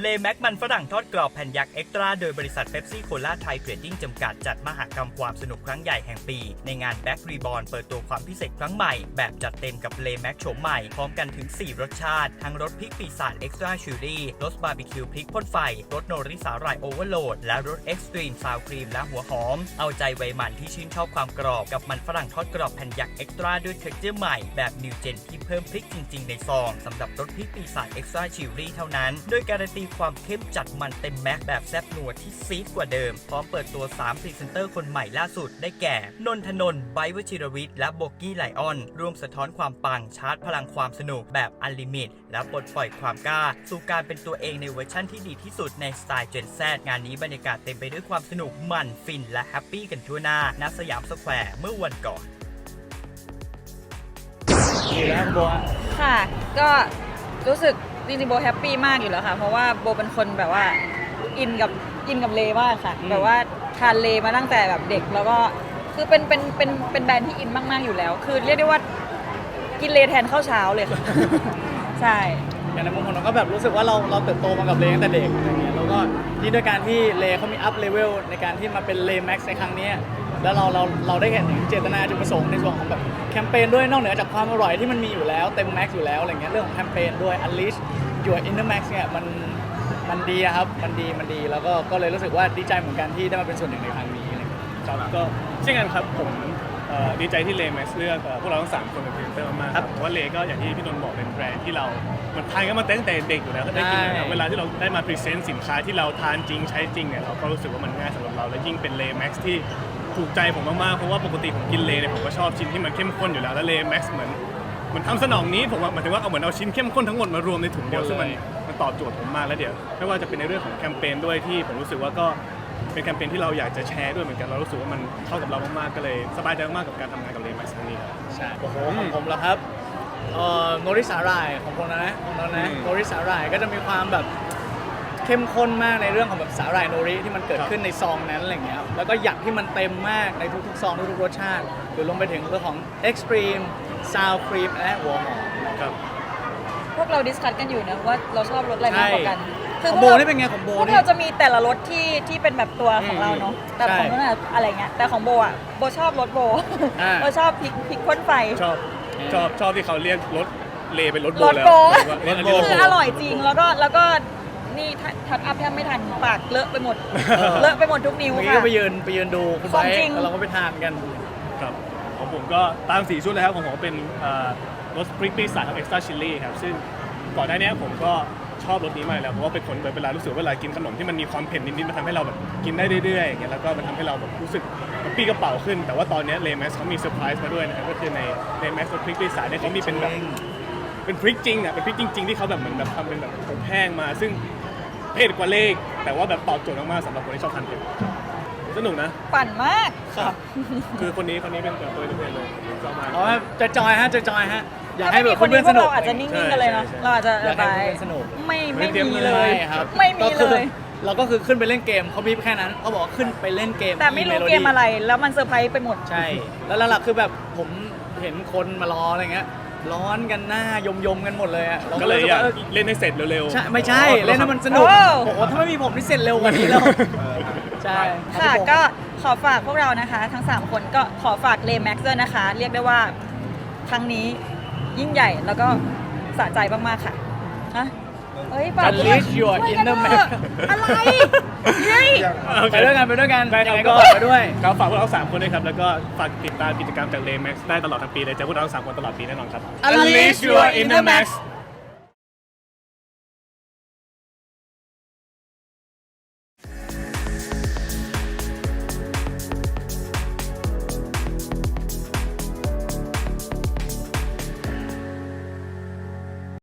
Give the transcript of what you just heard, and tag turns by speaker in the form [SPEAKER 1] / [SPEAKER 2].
[SPEAKER 1] แม็กมันฝรั่งทอดกรอบแผ่นยักษ์เอ็กตร้าโดยบริษัทเป๊ปซี่โคลาไทยเทรดดิ้งจำกัดจัดมหกรรมความสนุกครั้งใหญ่แห่งปีในงานแบ็กรีบอร์นเปิดตัวความพิเศษครั้งใหม่แบบจัดเต็มกับเลแม็กโฉมใหม่พร้อมกันถึง4รสชาติทั้งรสพริกปีศาจเอ็กซ์ตร้าชิลลี่รสบาร์บีคิวพริกพ่นไฟรสโนริสาหร่ายโอเวอร์โหลดและรสเอ็กซ์ตรีมซาวครีมและหัวหอมเอาใจวัยมันที่ชื่นชอบความกรอบกับมันฝรั่งทอดกรอบแผ่นยักษ์เอ็กตร้าด้วยเท็กเจอร์ใหม่แบบนิวเจนที่เพิ่มพริกจริงๆในซองสำหรับรสพริกปีศาจเอ็กซ์ตร้าชิลลี่เท่านั้นโดยการันตีความเข้มจัดมันเต็มแม็กแบบแซ่บนัวที่ซีดกว่าเดิมพร้อมเปิดตัว3พรีเซนเตอร์คนใหม่ล่าสุดได้แก่นนทนนท์ไบร์ทวชิรวิทย์และโบกี้ไลออนร่วมสะท้อนความปังชาร์จพลังความสนุกแบบอันลิมิตและปลดปล่อยความกล้าสู่การเป็นตัวเองในเวอร์ชั่นที่ดีที่สุดในสไตล์เจนแซงานนี้บรรยากาศเต็มไปด้วยความสนุกมันฟินและแฮปปี้กันทั่วหน้าณสยามสแควร์เมื่อวันก่อน
[SPEAKER 2] ค่ะก็รู้สึกจริงๆโบแฮปปี้มากอยู่แล้วค่ะเพราะว่าโบเป็นคนแบบว่าอินกับเลมากค่ะแบบว่าทานเลมาตั้งแต่แบบเด็กแล้วก็คือเป็นแบรนด์ที่อินมากๆอยู่แล้วคือเรียกได้ว่ากินเลแทนข้าวเช้าเลยค่ะ ใช่
[SPEAKER 3] อย่างในมุมของเราก็แบบรู้สึกว่าเราเติบโตมากับเลตั้งแต่เด็กอะไรเงี้ยแล้วก็นี่ด้วยการที่เลเขามีอัพเลเวลในการที่มาเป็นเลแม็กซ์ในครั้งนี้แล้วเราได้เห็นถึงเจตนาจุดประสงค์ในส่วนของแบบแคมเปญด้วยนอกเหนือจากความอร่อยที่มันมีอยู่แล้วเต็มแม็กซ์อยู่แล้วอะไรเงี้ยเรื่องของแคมเปญด้วย Unleash Your Inner Max เนี่ยมันดีครับมันดีแล้วก็เลยรู้สึกว่าดีใจเหมือนกันที่ได้มาเป็นส่วนหนึ่งในครั้งนี้อะไรเงี้ย
[SPEAKER 4] ครับก็เช่นกันครับผมดีใจที่เลแม็กซ์เลือกพวกเราทั้ง3คนเป็นพรีเซนเตอร์มากเพราะว่าเลก็อย่างที่พี่นนท์บอกเป็นแบรนด์ที่เรามันทานกันมาตั้งแต่เด็กอยู่แล้วก็ได้กินแล้วเวลาที่เราได้มาพรีเซนต์สินค้าที่เราทานจริงใช้จริงเนี่ยเราก็รู้สึกว่ามันง่ายสำหรับเราและยิ่งเป็นเลแม็กซ์ที่ถูกใจผมมากๆเพราะว่าปกติผมกินเลเนี่ยผมก็ชอบชิ้นที่มันเข้มข้นอยู่แล้วเลแม็กซ์เหมือนทำสนองนี้ผมว่าหมายถึงว่าเอาเหมือนเอาชิ้นเข้มข้นทั้งหมดมารวมในถุงเดียวซึ่งมันตอบโจทย์ผมมากแล้วเดี๋ยวไม่ว่าจะเป็นในเรื่องของแคมเปญด้วยที่ผมรู้สึกว่าก็เป็นแคมเปญที่เราอยากจะแชร์ด้วยเหมือนกันเรารู้สึกว่ามันเข้ากับเรามากๆก็เลยสบายใจมากกับการทำงานกับเลแม็กซ์ครั้งนี้ครับ
[SPEAKER 3] ใช่โอ้โหของผมแล้วครับโนริสาหร่ายของผมนะโนริสาหร่ายก็จะมีความแบบเข้มข้นมากในเรื่องของแบบสาหร่ายโนริที่มันเกิดขึ้นในซองนั้นอะไรเงี้ยแล้วก็หยักที่มันเต็มมากในทุกๆซองทุกๆรสชาติหรือลงไปถึงเรื่องของ Extreme Sour Cream และหัวหอมครับ
[SPEAKER 2] พวกเราดิสคัสกันอยู่นะว่าเราชอบรสอะไรมากกว่ากัน
[SPEAKER 3] คือโบนี่เป็นไงของโบ
[SPEAKER 2] พวกเราจะมีแต่ละรสที่เป็นแบบตัวของเราเนาะแต่ของนู้นอะไรเงี้ยแต่ของโบอ่ะโบชอบรสโบชอบพริกพ่นไฟ
[SPEAKER 4] ชอบที่เขาเรียกรสเลเป็นรสโบแล้ว
[SPEAKER 2] คืออร่อยจริงแล้วก็นี่ทัดอัพแทบไม่ทันปากเลอะไปหมดทุกนิ้วค่ะ
[SPEAKER 3] ก็ไปยืนดูคุณไบร์ทแล้วเราก็ไปทานกัน
[SPEAKER 4] ครับของผมก็ตาม4ชุดเลยครับของผมเป็นรสพริกปีศาจกับเอ็กซ์ตร้าชิลลี่ครับซึ่งก่อนหน้านี้ผมก็ชอบรสนี้มากแล้วเพราะว่าเป็นคนเวลารู้สึกเวลากินขนมที่มันมีความเผ็ดนิดๆมันทำให้เราแบบกินได้เรื่อยๆอย่างเงี้ยแล้วก็มันทำให้เราแบบรู้สึกกระปี้กระเป๋าขึ้นแต่ว่าตอนนี้เลแม็กซ์เขามีเซอร์ไพรส์มาด้วยนะครับก็คือในเลแม็กซ์รสพริกปีศาจเนี่ยเขามีเป็นแบบเป็นพริกจริงอ่ะเป็นพริกจริงๆที่เขาแบบเหมือนแบบทำเป็นแบบผงแห้งมาซึ่งเผ็ดกว่าเลขแต่ว่าแบบตอบโจทย์มากๆสำหรับคนที่ชอบทานเผ็ดสนุกนะ
[SPEAKER 2] ปั่นมาก
[SPEAKER 4] ครับคือคนนี้เป็นตัวเองเลยชอบมาก
[SPEAKER 3] จะจอยฮะอยากให้แบบ
[SPEAKER 2] คนนี้พวกเราอาจจะนิ่งๆกันเลยเนาะเราอาจจะ
[SPEAKER 3] ไปสนุก
[SPEAKER 2] ไม่มีเลย
[SPEAKER 3] ครับ
[SPEAKER 2] ไม่มีเลย
[SPEAKER 3] เราก็คือขึ้นไปเล่นเกมเขาบีบแค่นั้นเขาบอกขึ้นไปเล่นเกม
[SPEAKER 2] แต่ไม่รู้เกมอะไรแล้วมันเซอร์ไพรส์ไปหมด
[SPEAKER 3] ใช่แล้วหลักๆคือแบบผมเห็นคนมารออะไรเงี้ยร้อนกันหน้ายมกันหมดเลยอ่ะ
[SPEAKER 4] ก็เลยอยากเล่นให้เสร็จเร็ว
[SPEAKER 3] ๆใช่ไม่ใช่เล่นให้มันสนุกโอ้โหถ้าไม่มีผมนี่เสร็จเร็วกว่านี้แล้วใช่
[SPEAKER 2] ค่ะก็ขอฝากพวกเรานะคะทั้ง3คนก็ขอฝากเลแม็กซ์ด้วยนะคะเรียกได้ว่าครั้งนี้ยิ่งใหญ่แล้วก็สะใจมากๆค่ะฮะเฮ้ยฝาก
[SPEAKER 3] Unleash Your Inner Max
[SPEAKER 2] อะไรเฮ้ย
[SPEAKER 3] ไปด้วยกันยังไงก็ฝากไปด้วย
[SPEAKER 4] ก็ฝากพวกเรา3คนด้วยครับแล้วก็ฝากติดตามกิจกรรมจากเลแม็กซ์ได้ตลอดทั้งปีเลยเจอพวกเรา3คนตลอดปีแน่นอนครับ
[SPEAKER 3] Unleash Your Inner Max